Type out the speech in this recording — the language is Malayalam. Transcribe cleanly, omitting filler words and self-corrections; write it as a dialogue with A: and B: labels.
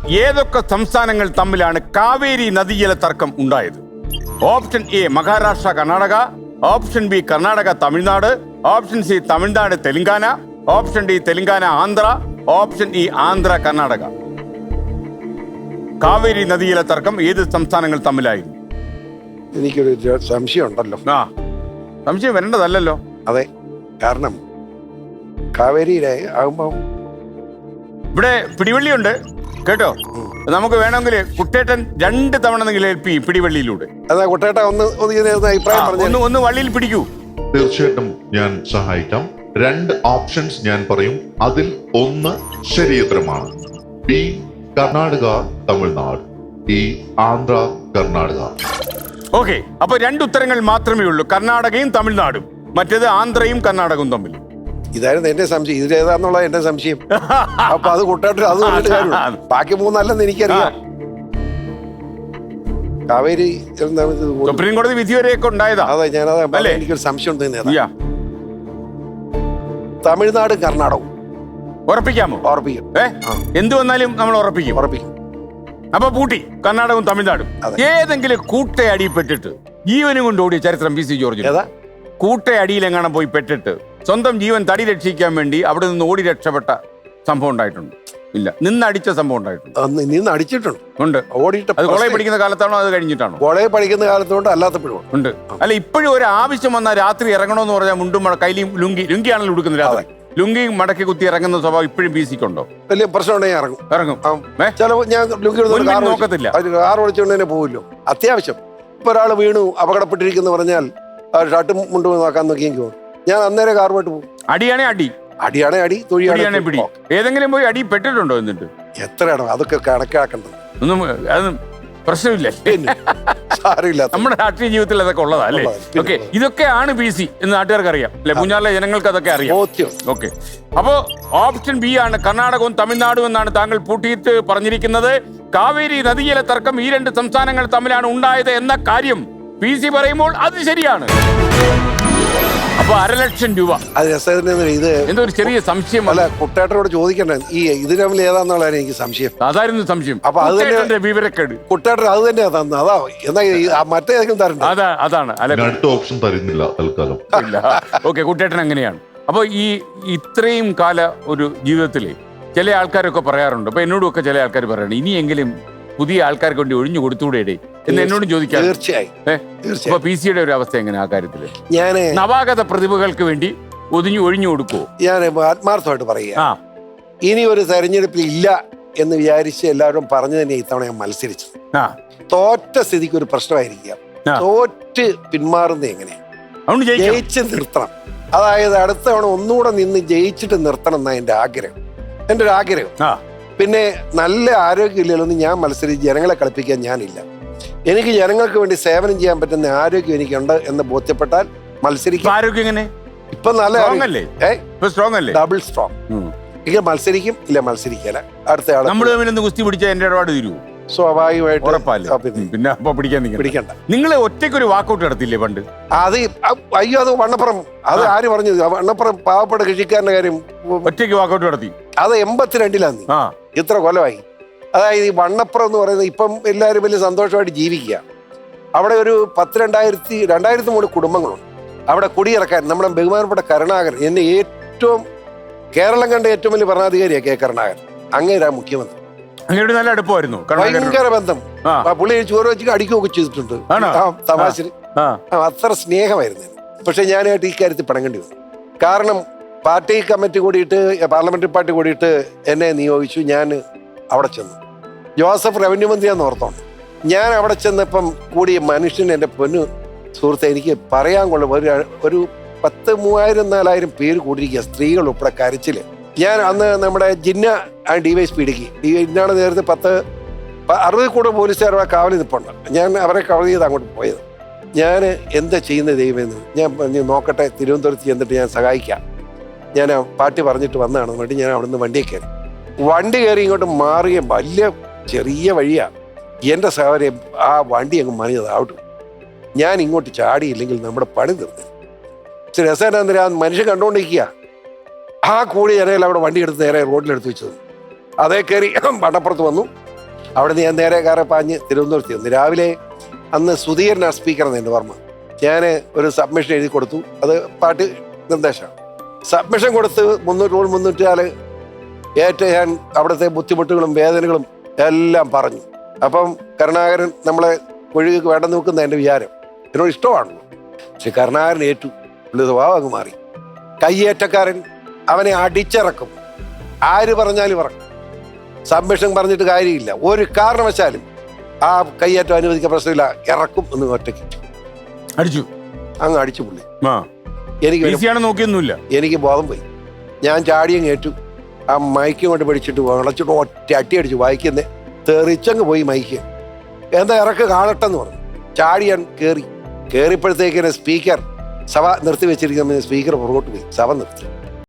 A: ഏതൊക്കെ സംസ്ഥാനങ്ങൾ തമ്മിലാണ് കാവേരി നദീജല തർക്കം ഉണ്ടായത്? Option A Maharashtra Karnataka, option B Karnataka Tamil Nadu, option C Tamil Nadu Telangana, option D Telangana Andhra, option E Andhra Karnataka. Kaveri നദീജല തർക്കം ഏത് സംസ്ഥാനങ്ങൾ തമ്മിലായിരുന്നു?
B: എനിക്കൊരു സംശയം ഉണ്ടല്ലോ.
A: സംശയം വരേണ്ടതല്ലോ.
B: അതെ, കാരണം കാവേരിയിലെ ആകുമ്പോ
A: ഇവിടെ പിടിവള്ളിയുണ്ട് കേട്ടോ. നമുക്ക് വേണമെങ്കിൽ കുട്ടേട്ടൻ 2 തവണ ഹെൽപ്പ് ചെയ്യും പിടിവള്ളിയിലൂടെ.
B: അതാ കുട്ടേട്ട അഭിപ്രായം പറഞ്ഞു.
A: ഒന്ന് വള്ളിയിൽ പിടിക്കൂ.
C: തീർച്ചയായിട്ടും ഞാൻ സഹായിക്കാം. 2 ഓപ്ഷൻസ് ഞാൻ പറയും. അതിൽ ഒന്ന് ശരിയുത്തരമാണ്. ബി കർണാടക തമിഴ്നാട്, ഈ ആന്ധ്ര കർണാടക.
A: ഓക്കെ, അപ്പൊ 2 ഉത്തരങ്ങൾ മാത്രമേ ഉള്ളൂ, കർണാടകയും തമിഴ്നാടും. മറ്റേത് ആന്ധ്രയും കർണാടകവും തമ്മിൽ.
B: ഇതായിരുന്നു എന്റെ സംശയം, ഇതിലേതാന്നുള്ള എന്റെ സംശയം. അപ്പൊ അത് കുട്ടേട്ട അത് പറഞ്ഞിട്ട് കാര്യമില്ല. ബാക്കി 3 അല്ലെന്ന് എനിക്കറിയാം. കാവേരി
A: സുപ്രീം കോടതി വിധി വരെയൊക്കെ ഉണ്ടായതാ.
B: അതെ, ഞാനത് എനിക്കൊരു സംശയം ഉണ്ട്. തമിഴ്നാട് കർണാടകവും
A: ഉറപ്പിക്കാമോ?
B: ഉറപ്പിക്കും.
A: എന്ത് വന്നാലും നമ്മൾ ഉറപ്പിക്കും. അപ്പൊ പൂട്ടി കർണാടകവും തമിഴ്നാടും. ഏതെങ്കിലും കൂട്ടയടി പെട്ടിട്ട് ജീവനും കൊണ്ട് ഓടിയ ചരിത്രം പി സി ജോർജ്? കൂട്ടയടിയിലെങ്ങാനും പോയി പെട്ടിട്ട് സ്വന്തം ജീവൻ തടി രക്ഷിക്കാൻ വേണ്ടി അവിടെ നിന്ന് ഓടി രക്ഷപ്പെട്ട സംഭവം ഉണ്ടായിട്ടുണ്ട്? ഇല്ല, നിന്നടിച്ച സംഭവം ഉണ്ടായിട്ടുണ്ട്.
B: നിന്ന് അടിച്ചിട്ടുണ്ട്.
A: ഉണ്ട്.
B: ഓടിയിട്ട്
A: അത് കോളേജ് പഠിക്കുന്ന കാലത്താണോ അത് കഴിഞ്ഞിട്ടാണോ?
B: കോളേജ് പഠിക്കുന്ന കാലത്തോണ്ട് അല്ലാത്തപ്പോഴും
A: ഉണ്ട്. അല്ല, ഇപ്പോഴും ഒരു ആവശ്യം വന്നാൽ രാത്രി ഇറങ്ങണമെന്ന് പറഞ്ഞാൽ മുണ്ടും കയ്യിലും ലുങ്കിയാണല്ലോ ഉടുക്കുന്നത്. രാത്രി ലുങ്കി മടക്കി കുത്തി ഇറങ്ങുന്ന സ്വഭാവം ഇപ്പോഴും പി സിക്കുണ്ടോ?
B: വലിയ പ്രശ്നമുണ്ടെങ്കിൽ ഇറങ്ങും. ഞാൻ ലുങ്കി
A: നോക്കത്തില്ല,
B: കാർ ഓടിച്ചുകൊണ്ട് തന്നെ പോവില്ലോ. അത്യാവശ്യം ഇപ്പൊ ഒരാൾ വീണു അപകടപ്പെട്ടിരിക്കുന്നു പറഞ്ഞാൽ ഷർട്ടും മുണ്ടും നോക്കാൻ നോക്കിയെങ്കിൽ ഞാൻ അന്നേരം കാർ പോയിട്ട് പോകും.
A: അടിയാണേ അടി,
B: അടിയാണേ അടി, തൊഴിയാണേ
A: പിടി. ഏതെങ്കിലും പോയി അടി പെട്ടിട്ടുണ്ടോ? എന്നിട്ട്
B: എത്രയാണോ അതൊക്കെ കണക്കാക്കേണ്ടത്?
A: ഒന്നും അത് പ്രശ്നമില്ല. നമ്മുടെ രാഷ്ട്രീയ ജീവിതത്തിൽ അതൊക്കെ ഉള്ളതാ അല്ലേ? ഓക്കെ, ഇതൊക്കെയാണ് പി സി എന്ന് നാട്ടുകാർക്ക് അറിയാം അല്ലെ? പൂഞ്ഞാറിലെ ജനങ്ങൾക്ക് അതൊക്കെ അറിയാം. ഓക്കെ, അപ്പോ ഓപ്ഷൻ ബി ആണ് കർണാടകവും തമിഴ്നാടും എന്നാണ് താങ്കൾ പൂട്ടിയിട്ട് പറഞ്ഞിരിക്കുന്നത്. കാവേരി നദീജല തർക്കം ഈ 2 സംസ്ഥാനങ്ങൾ തമ്മിലാണ് ഉണ്ടായത് എന്ന കാര്യം പി സി പറയുമ്പോൾ അത് ശരിയാണ്. അപ്പൊ 1,00,000 രൂപ.
B: അത് ഇത്
A: എന്തോ ഒരു ചെറിയ സംശയം.
B: അല്ല, കുട്ടേട്ടനോട് ചോദിക്കണ്ടേ ഈ ഇത് തമ്മിൽ ഏതാന്നുള്ളതാണ് എനിക്ക് സംശയം.
A: അതായിരുന്നു സംശയം.
B: അപ്പൊ അത് തന്നെ
A: വിവരക്കേട്.
B: കുട്ടേട്ടൻ അത് തന്നെയാ തന്നത്. അതാ എന്നാ മറ്റേതെങ്കിലും തരണ്ട.
A: അതാണ്
C: അടുത്ത ഓപ്ഷൻ തരുന്നില്ല തൽക്കാലം.
A: ഓക്കെ, കുട്ടേട്ടൻ അങ്ങനെയാണ്. അപ്പൊ ഈ ഇത്രയും കാല ഒരു ജീവിതത്തില് ചില ആൾക്കാരൊക്കെ പറയാറുണ്ട്. അപ്പൊ എന്നോടും ഒക്കെ ചില ആൾക്കാർ പറയാറുണ്ട്, ഇനിയെങ്കിലും പുതിയ ആൾക്കാർക്ക് വേണ്ടി ഒഴിഞ്ഞു കൊടുത്തൂടെ എന്ന് എന്നോടും ചോദിക്കാം.
B: തീർച്ചയായും.
A: അപ്പൊ പി സിയുടെ ഒരു അവസ്ഥ എങ്ങനെ ആ കാര്യത്തില്?
B: ഞാൻ
A: നവാഗത പ്രതിഭകൾക്ക് വേണ്ടി ഒഴിഞ്ഞു കൊടുക്കുവോ?
B: ഞാൻ ആത്മാർത്ഥമായിട്ട് പറയുക, ഇനി ഒരു തെരഞ്ഞെടുപ്പിൽ ഇല്ല എന്ന് വിചാരിച്ച് എല്ലാവരും പറഞ്ഞു തന്നെ ഇത്തവണ ഞാൻ മത്സരിച്ചു. തോറ്റ സ്ഥിതിക്ക് ഒരു പ്രശ്നമായിരിക്കാം. തോറ്റ് പിന്മാറുന്നത് എങ്ങനെയാണ്? ജയിച്ച് നിർത്തണം. അതായത് അടുത്ത തവണ ഒന്നുകൂടെ നിന്ന് ജയിച്ചിട്ട് നിർത്തണം എന്നാ എന്റെ ഒരു ആഗ്രഹം. പിന്നെ നല്ല ആരോഗ്യമില്ലല്ലോ ഞാൻ മത്സരിച്ച് ജനങ്ങളെ കളിപ്പിക്കാൻ ഞാനില്ല. എനിക്ക് ജനങ്ങൾക്ക് വേണ്ടി സേവനം ചെയ്യാൻ പറ്റുന്ന ആരോഗ്യം എനിക്കുണ്ട് എന്ന് ബോധ്യപ്പെട്ടാൽ മത്സരിക്കും.
A: ആരോഗ്യം
B: ഇപ്പൊ നല്ല ഡബിൾ സ്ട്രോങ്. ഇങ്ങനെ മത്സരിക്കും, ഇല്ല മത്സരിക്കല. അടുത്ത ആളെ
A: നമ്മൾ ഗുസ്തി പിടിച്ചാൽ എന്റെ ഇടപാട് തീരുവോ?
B: സ്വാഭാവികമായിട്ട്
A: പിന്നെ പിടിക്കണ്ട. നിങ്ങൾ ഒറ്റയ്ക്കൊരു വാക്കൗട്ട് നടത്തില്ലേ പണ്ട്?
B: അത് അയ്യോ, അത് വണ്ണപ്പുറം. അത് ആര് പറഞ്ഞു? വണ്ണപ്പുറം പാവപ്പെട്ട കൃഷിക്കാരന്റെ കാര്യം
A: ഒറ്റയ്ക്ക് വാക്കൗട്ട് നടത്തി.
B: അത് 82-ലാണ്. ഇത്ര കൊല്ലമായി. അതായത് ഈ വണ്ണപ്പുറം എന്ന് പറയുന്നത് ഇപ്പം എല്ലാവരും വലിയ സന്തോഷമായിട്ട് ജീവിക്കുക. അവിടെ ഒരു 2,300 കുടുംബങ്ങളുണ്ട്. അവിടെ കുടിയിറക്കാൻ നമ്മുടെ ബഹുമാനപ്പെട്ട കരുണാകരൻ, എന്നെ കേരളം കണ്ട ഏറ്റവും വലിയ ഭരണാധികാരിയാണ് കെ കരുണാകരൻ. അങ്ങേരാ മുഖ്യമന്ത്രി.
A: അങ്ങനെ നല്ല അടുപ്പമായിരുന്നു,
B: ഭയങ്കര ബന്ധം. പുള്ളി ചോറ് വെച്ച് അടിക്കുകയൊക്കെ ചെയ്തിട്ടുണ്ട് തമാശ. അത്ര സ്നേഹമായിരുന്നു. പക്ഷെ ഞാനായിട്ട് ഈ കാര്യത്തിൽ പണങ്ങേണ്ടി വന്നു. കാരണം പാർട്ടി കമ്മിറ്റി കൂടിയിട്ട്, പാർലമെന്ററി പാർട്ടി കൂടിയിട്ട് എന്നെ നിയോഗിച്ചു. ഞാൻ അവിടെ ചെന്നു. ജോസഫ് റവന്യൂ മന്ത്രിയാന്ന് ഓർത്തോണ്ട് ഞാൻ അവിടെ ചെന്നപ്പം കൂടിയ മനുഷ്യൻ, എൻ്റെ പൊന്നു സുഹൃത്തെ, എനിക്ക് പറയാൻ കൊള്ളും. ഒരു 10,000-4,000 പേര് കൂടിയിരിക്കുക, സ്ത്രീകൾ ഉൾപ്പെടെ കരച്ചില്. ഞാൻ അന്ന് നമ്മുടെ ജിന്ന DYSP ഇടുക്കി ഇന്നാണ് നേരത്തെ 60 കൂടെ പോലീസുകാരുടെ കാവൽ നിൽപ്പുണ്ട്. ഞാൻ അവരെ കവർ ചെയ്ത് അങ്ങോട്ട് പോയത്. ഞാൻ എന്താ ചെയ്യുന്നത് ദൈവമെന്ന് ഞാൻ നോക്കട്ടെ, തിരുവനന്തപുരത്ത് ചെന്നിട്ട് ഞാൻ സഹായിക്കാം. ഞാൻ പാർട്ടി പറഞ്ഞിട്ട് വന്നതാണ് വേണ്ടി ഞാൻ അവിടുന്ന് വണ്ടി കയറി ഇങ്ങോട്ട് മാറിയ വലിയ ചെറിയ വഴിയാണ്. എൻ്റെ സഹോദരൻ ആ വണ്ടി അങ്ങ് മറിഞ്ഞതാവട്ടു. ഞാൻ ഇങ്ങോട്ട് ചാടിയില്ലെങ്കിൽ നമ്മുടെ പണി തീർന്നു. രസേന്ദ്ര മനുഷ്യൻ കണ്ടുകൊണ്ടിരിക്കുക. ആ കൂടി ജനയിൽ അവിടെ വണ്ടി എടുത്ത് നേരെ റോഡിലെടുത്ത് വെച്ചത്. അതേ കയറി വണ്ണപ്പുറത്ത് വന്നു. അവിടെ നിന്ന് ഞാൻ നേരെ കാറെ പാഞ്ഞ് തിരുവനന്തപുരത്ത് വന്നു. രാവിലെ അന്ന് സുധീരനാണ് സ്പീക്കർ എന്ന് എൻ്റെ ഓർമ്മ. ഞാൻ ഒരു സബ്മിഷൻ എഴുതി കൊടുത്തു. അത് പാർട്ടി നിർദ്ദേശമാണ്. സബ്മിഷൻ കൊടുത്ത് 304 ഏറ്റവും ഞാൻ അവിടുത്തെ ബുദ്ധിമുട്ടുകളും വേദനകളും എല്ലാം പറഞ്ഞു. അപ്പം കരുണാകരൻ നമ്മളെ ഒഴുകി വേണ്ടെന്ന് നോക്കുന്ന എൻ്റെ വിചാരം. എന്നോട് ഇഷ്ടമാണല്ലോ. പക്ഷെ കരുണാകരൻ ഏറ്റു. പുള്ളി സ്വഭാവം അങ്ങ് മാറി. കയ്യേറ്റക്കാരൻ, അവനെ അടിച്ചിറക്കും. ആര് പറഞ്ഞാലും ഇറക്കും. സബ്മിഷൻ പറഞ്ഞിട്ട് കാര്യമില്ല. ഒരു കാരണവശാലും ആ കയ്യേറ്റം അനുവദിക്കാൻ പ്രശ്നമില്ല, ഇറക്കും എന്ന് ഒറ്റയ്ക്ക്
A: അടിച്ചു.
B: അങ്ങ് അടിച്ചു പുള്ളി.
A: നോക്കിയൊന്നുമില്ല.
B: എനിക്ക് ബോധം പോയി. ഞാൻ ചാടിയും കേട്ടു. ആ മൈക്ക് കൊണ്ട് പിടിച്ചിട്ട് വിളച്ചിട്ട് ഒറ്റ അട്ടി അടിച്ചു. വായിക്കുന്നേ തെറിച്ചങ്ങ് പോയി മൈക്ക്. എന്താ ഇറക്ക് കാണട്ടെന്ന് പറഞ്ഞു. ചാടി ഞാൻ കയറിയപ്പോഴത്തേക്കിനെ സ്പീക്കർ സഭ നിർത്തി വെച്ചിരിക്കുന്ന സ്പീക്കർ പുറകോട്ട് പോയി. സഭ നിർത്തി.